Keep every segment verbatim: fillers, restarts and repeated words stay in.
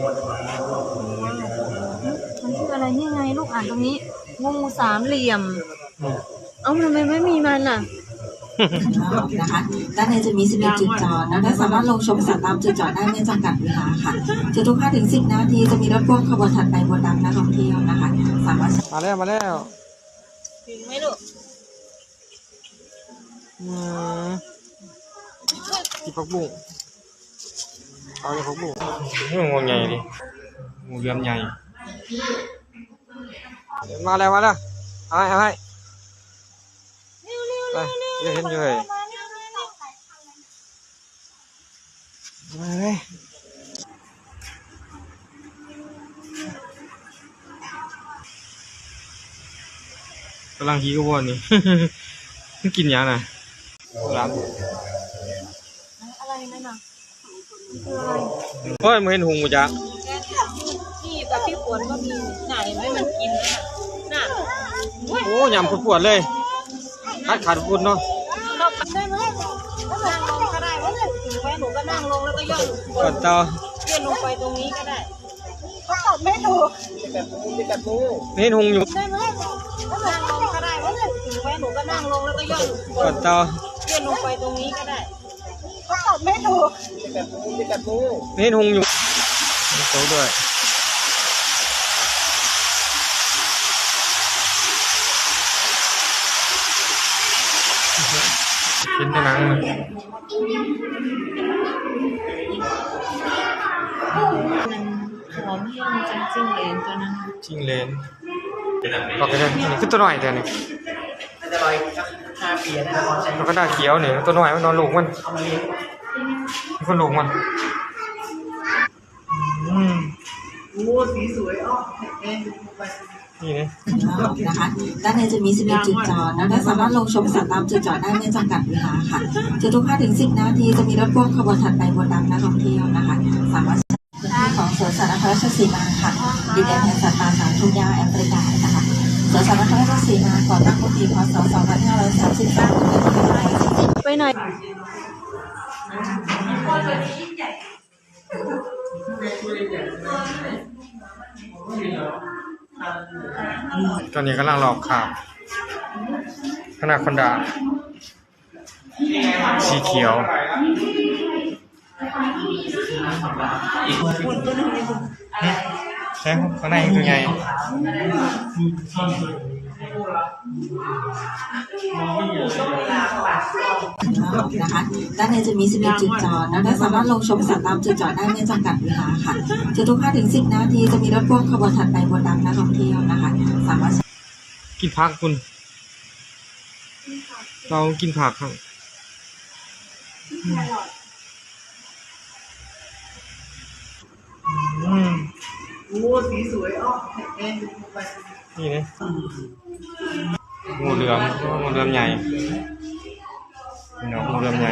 มันชื่ออะไรนี่ไงลูกอ่านตรงนี้งูสามเหลี่ยมเอ้าทำไมไม่มีมันอ่ะนะคะด้านในจะมีสิบเอ็ดจุดจอดและสามารถลงชมสัตว์ตามจุดจอดได้ไม่จำกัดเวลาค่ะจะทุก ห้าถึงสิบ นาทีจะมีรถพ่วงขบวนถัดไปบนนำนักท่องเที่ยวนะคะสามารถมาแล้วมาแล้วถึงไหมลูกอืมที่พักบุ้งเอาที่พักบุ้งนี่มันงูใหญ่ดิงูเหลือมใหญ่มาแล้วมาแล้วเอาให้เอาให้ไปเดี๋ยวเห็นอยู่เลยมาเลยกำลังหิววันนี้ กินยังน่ะรับอะไรนั่นน่ะคืออะไรเฮ้ยมึงเห็นหุงมั้ยจ๊ะพี่กับพี่ฝนก็มีไหนไม่มันกินน่ะโอ้ยำปวดๆเลยขาดขาดปุ่นเนาะเราได้ไหมนั่งลงก็ได้ว่าถึงแม้หนูก็นั่งลงแล้วก็ย่อนกดต่อเลื่อนลงไปตรงนี้ก็ได้ก็ตอบไม่ถูกแบบมือแบบมือเห็นหุงอยู่ได้ไหมนั่งลงก็ได้ว่าถึงแม้หนูก็นั่งลงแล้วก็ย่อนกดต่อเลื่อนลงไปตรงนี้ก็ได้ก็ตอบไม่ถูกแบบมือแบบมือเห็นหุงอยู่โตด้วยกินในหนังเลยหอมแห้งจังจิ้งเลนตัวนั้นจิ้งเลนบอกกันเลยนี่คือตัวหน่อยแต่นี่แล้วก็ได้เขียวเนี่ยตัวหน่อยมันนอนลูกมันมันคนลูกมันอืมโอ้สีสวยอ้อนี่นะนะคะด้านในจะมีสิบเอ็ดจุดจอดและสามารถลงชมสัตว์ตามจุดจอดได้ไม่จำกัดเวลาค่ะจะทุก ห้าถึงสิบ นาทีจะมีรถพ่วงขบวนถัดไปบนนำนักท่องเที่ยวนะคะสามารถพื้นที่ของสวนสัตว์นครราชสีมาค่ะดินแดนแห่งสัตว์ป่าสามทุ่งหญ้าแอฟริกานะคะสวนสัตว์นครราชสีมาก่อตั้งเมื่อปีพ.ศ. สองพันห้าร้อยสามสิบสามไปไหนตอนนี้กำลังหลอกข่าวขนาดคอนดาสีเขียวใช่ข้างในตัวใหญ่นะคะด้านในจะมีสิบเอ็ดจุดจอดและสามารถลงชมสัตว์ตามจุดจอดได้ไม่จำกัดเวลาค่ะจะทุก ห้าถึงสิบ นาทีจะมีรถพ่วงขบวนถัดไปบนนำนักท่องเที่ยวนะคะสามารถกินผักคุณเรากินผักครับอืมโอ้สีสวยอ้อนี่นะงูเหลือมงูเหลือมใหญ่เนาะงูเหลือมใหญ่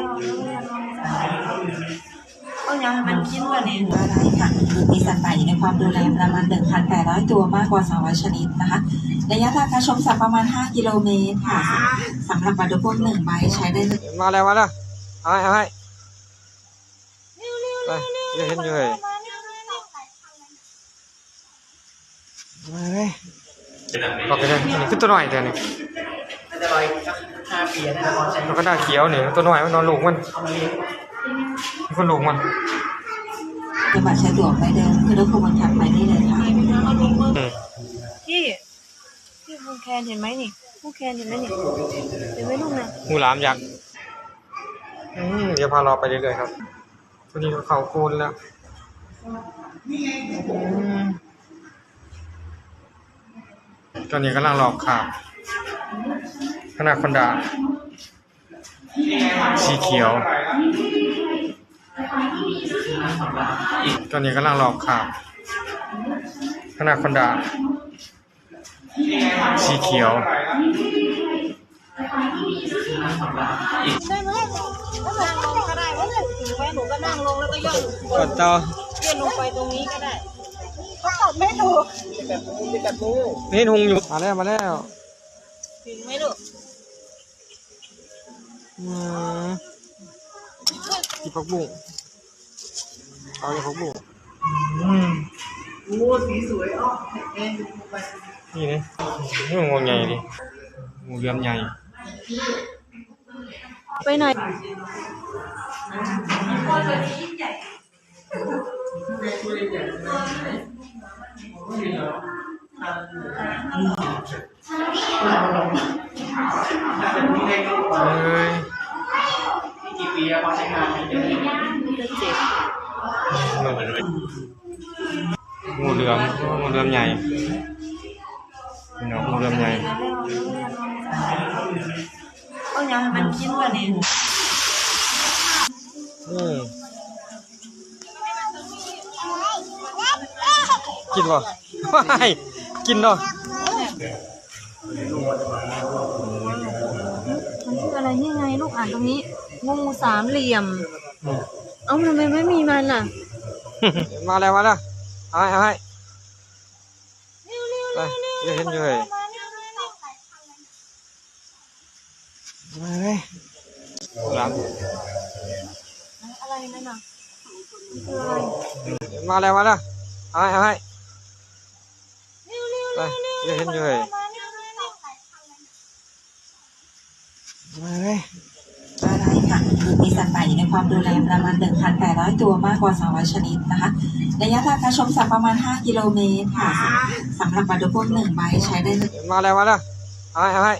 ก็ยังมันกินว่าเนี่ยอะไรค่ะมีสัตว์ป่าอยู่ในความดูแลประมาณ หนึ่งพันแปดร้อย ตัวมากกว่าสองร้อยชนิดนะคะระยะทางการชมสัตว์ประมาณห้ากิโลเมตรค่ะสำหรับบัตรพ่วงหนึ่งใบใช้ได้มาแล้วมาแล้วเอาให้เอาให้ไปเดี๋ยวเห็นอยู่เลยมาเลยบอกกันเลยนี่คือตัวหน่อยแต่นี่แล้วก็ได้เขียวเนี่ยตัวหน่อยมันนอนลูกมันมันคนลูกมันจะบัตรใช้ตั๋วไปเดินคือรถขบวนถัดไปได้เลยค่ะพี่พี่ผู้แคนเห็นไหมนี่ผู้แคนเห็นไหมนี่เห็นไหมลูกนะงูหลามยักษ์อืมเดี๋ยวพาเราไปเรื่อยๆครับตัวนี้เขาโคนแล้วตอนนี้กำลังหลอกข่าวขนาดคอนดาสีเขียวตอนนี้กำลังหลอกข่าวขนาดคอนดาสีเขียวได้ไหมนั่งลงก็ได้ว่าถึงแม้หนูก็นั่งลงแล้วก็ย่อนกดต่อเลื่อนลงไปตรงนี้ก็ได้ก็ตอบไม่ถูกแบบมือแบบมือนี่หุงอยู่มาแล้วมาแล้วถึงไหมลูกอืมที่พักบุ้งเอาที่พักบุ้งอืมโอ้สีสวยอ้อนี่นะนี่มันงูใหญ่ดิงูเหลือมใหญ่ไปไหนเอ้ยกี่ปีแล้วพอใช้งานเดี๋ยวนี้จะเจ็บงูเหลือมงูเหลือมใหญ่พี่น้องงูเหลือมใหญ่ก็ยังให้มันกินกันนี่อืมกินบ่ไม่กินเนาะมันคืออะไรนี่ไงลูกอ่านตรงนี้งูสามเหลี่ยม เอ้าทำไมไม่มีมันอ่ะมาแล้วมาแล้วเอาให้เอาให้ไปจะเห็นอยู่เลยมาเลยหลังอะไรนั่นน่ะคืออะไรมาแล้วมาแล้วเอาให้เอาให้ไปจะเห็นอยู่เลยมาเลยอะไรค่ะมีสัตว์ป่าอยู่ในความดูแลประมาณ หนึ่งพันแปดร้อย ตัวมากกว่า สองร้อย ชนิดนะคะระยะทางการชมสัตว์ประมาณ ห้า กิโลเมตรค่ะสำหรับบัตรดูพวกหนึ่งใบใช้ได้เลยมาแล้วมาแล้วเอาให้เอาให้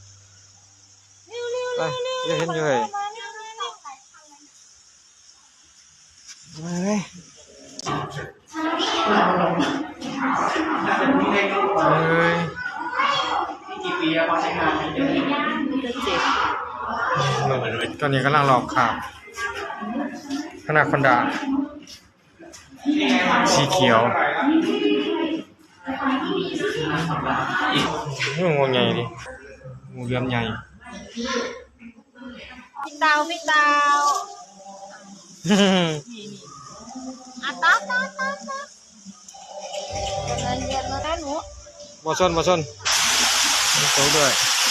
ไปจะเห็นอยู่เลยมาเลยเอ้ยกี่ปีแล้วพอใช้งานเดี๋ยวนี้จะเจ็บตอนนี้กำลังหลอกข่าวขนาดคอนดาสีเขียวนี่มันงูใหญ่ดิงูเหลือมใหญ่พี่เตาพี่เตาอ่ะตาตาตาตาเงินเดือนมาได้หนูบอชนบอชนมีโต๊ะด้วย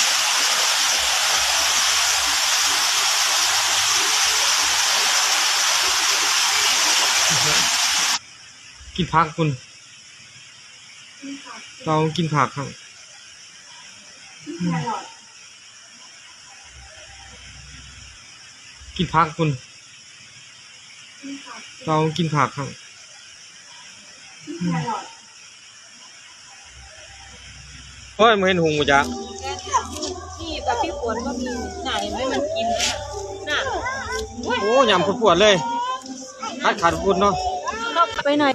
กินผักคุณเรากินผักครับกินผักคุณเรากินผักครับเฮ้ยมึงเห็นหุงมั้ยจ๊ะพี่กับพี่ฝนก็มีไหนไม่มันกินน่ะโอ้ยำปวดๆเลยขาดขาดปวดเนาะไปไหน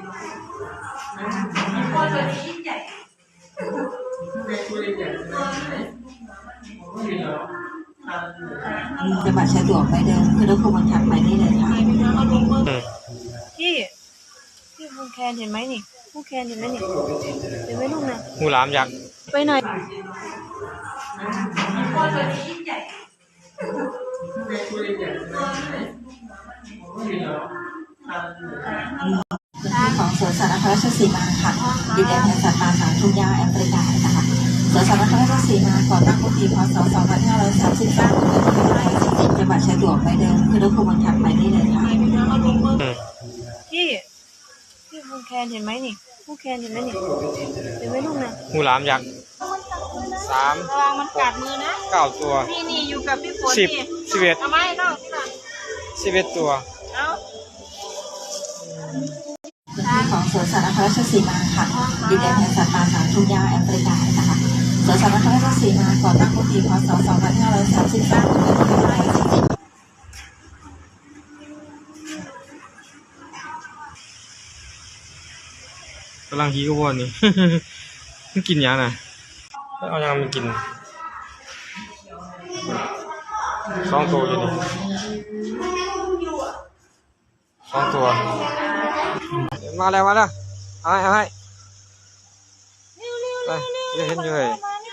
จะบัตรใช้ตั๋วไปเดิมคือรถขบวนถัดไปได้เลยค่ะพี่พี่ภูแคนเห็นไหมนี่ภูแคนเห็นไหมนี่เห็นไหมลูกนะงูหลามยักษ์ไปไหนของสวนสัตว์นครราชสีมาค่ะดินแดนแห่งสัตว์ป่าสามทุ่งหญ้าแอฟริกานะคะสวนสัตว์นครราชสีมาก่อตั้งเมื่อปีพ.ศ. สองพันห้าร้อยสามสิบเก้าจะบัตรใช้ตั๋วไปเดิมคือรถขบวนถัดไปได้เลยค่ะพี่พี่ภูแคนเห็นไหมนี่ภูแคนเห็นไหมนี่เห็นไหมลูกนะงูหลามยักษ์สามระวังมันกัดมือนะเก้าตัวพี่นี่อยู่กับพี่ฝนสิบนี่สิบเอ็ดเอาไม้น้องที่หลังสิบเอ็ดตัวเอาของสวนสัตว์นครราชสีมาค่ะดินแดนแห่งสัตว์ป่าสามทุ่งหญ้าแอฟริกานะคะสวนสัตว์นครราชสีมาก่อตั้งเมื่อปีพ.ศ. สองพันห้าร้อยสามสิบเก้ากำลังฮีก็วนนี่ มันกินยังน่ะเอายังมันกินสองตัวอยู่นี่สองตัวมาแล้วมาแล้วเอาให้เอาให้ไปจะเห็นอยู่เลย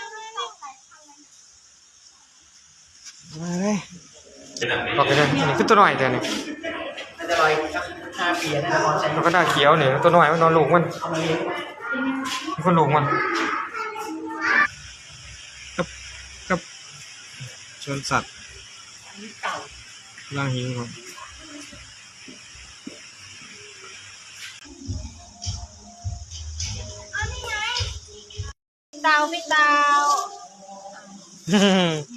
มาเลยบอกกันเลยอันนี้คือตัวหน่อยแต่นี่มันจะลอยสักห้าปีนะพอใช้มันก็ได้เขียวนี่ตัวหน่อยมันนอนลูกมันเอามาเลี้ยงมันก็ลูกมันกับกับชนสัตว์ล่างหิวก่อนเตาพี่เตา